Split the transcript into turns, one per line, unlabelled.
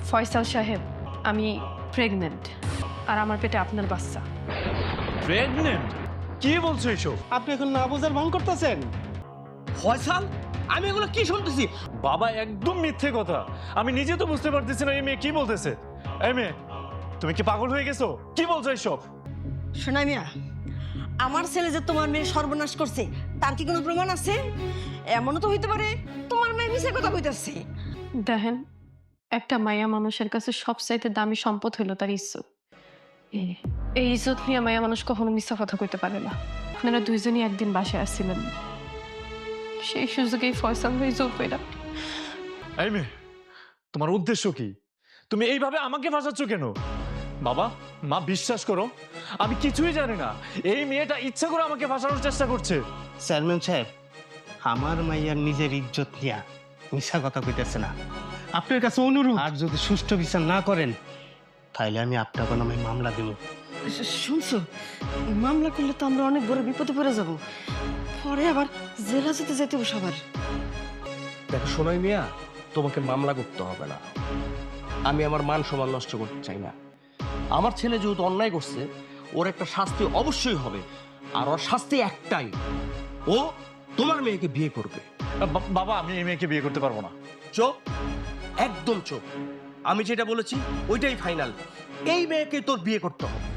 ফয়সাল সাহেব, আমি প্রেগনেন্ট আর আমার পেটে আপনার বাচ্চা।
প্রেগনেন্ট? কি বলছো এসব?
আপনি এখন না বোঝার ভান করতেছেন?
ফয়সাল, আমি এগুলো কি শুনতেছি?
বাবা একদম মিথ্যে কথা। আমি নিজে তো বুঝতে পারতেছি না এই মেয়ে কি বলতেছে। এই মেয়ে, তুমি কি পাগল হয়ে গেছো? কি বলছো এসব?
শোনা মিয়া, আমার ছেলে যে তোমার মেয়ে সর্বনাশ করছে তার কি কোনো প্রমাণ আছে? এমনও তো হইতে পারে তোমার মেয়ে মিছে কথা কইতাছে।
দেখেন, একটা মায়া মানুষের কাছে সবচাইতে দামি সম্পদ হইল তার ইজ্জত। এই ইজ্জত নিয়ে মায়া মানুষ কখনো মিথ্যা কথা কইতে পারে না। আপনারা দুইজনই একদিন বাসায় আসছিলেন, সেই সুযোগেই ফয়সাল হয়ে যোগ পেলা।
এই মেয়ে, তোমার উদ্দেশ্য কি? তুমি এইভাবে আমাকে ফাঁসাচ্ছ কেন? বাবা মা, বিশ্বাস করো আমি কিছুই জানি না। এই মেয়েটা ইচ্ছা করে আমাকে ফাঁসানোর চেষ্টা করছে।
চেয়ারম্যান সাহেব, আমার মাইয়ার নিজের ইজ্জত নিয়া মিশা কথা কইতেছে না। আপনার কাছে অনুরোধ, আর যদি সুষ্ঠু বিচার না করেন তাহলে আমি আপনার নামে মামলা দেব।
শুনছো, মামলা করলে তো আমরা অনেক বড় বিপদে পড়ে যাব, পরে আবার জেলা যেতে যেতে সবার।
দেখো সোনাই মিয়া, তোমাকে মামলা করতে হবে না। আমি আমার মান সম্মান নষ্ট করতে চাই না। আমার ছেলে যেহেতু অন্যায় করছে, ওর একটা শাস্তি অবশ্যই হবে। আর ওর শাস্তি একটাই, ও তোমার মেয়েকে বিয়ে করবে।
বাবা, আমি এই মেয়েকে বিয়ে করতে পারবো না।
চোপ, একদম চোপ। আমি যেটা বলেছি ওইটাই ফাইনাল। এই মেয়েকে তোর বিয়ে করতে হবে।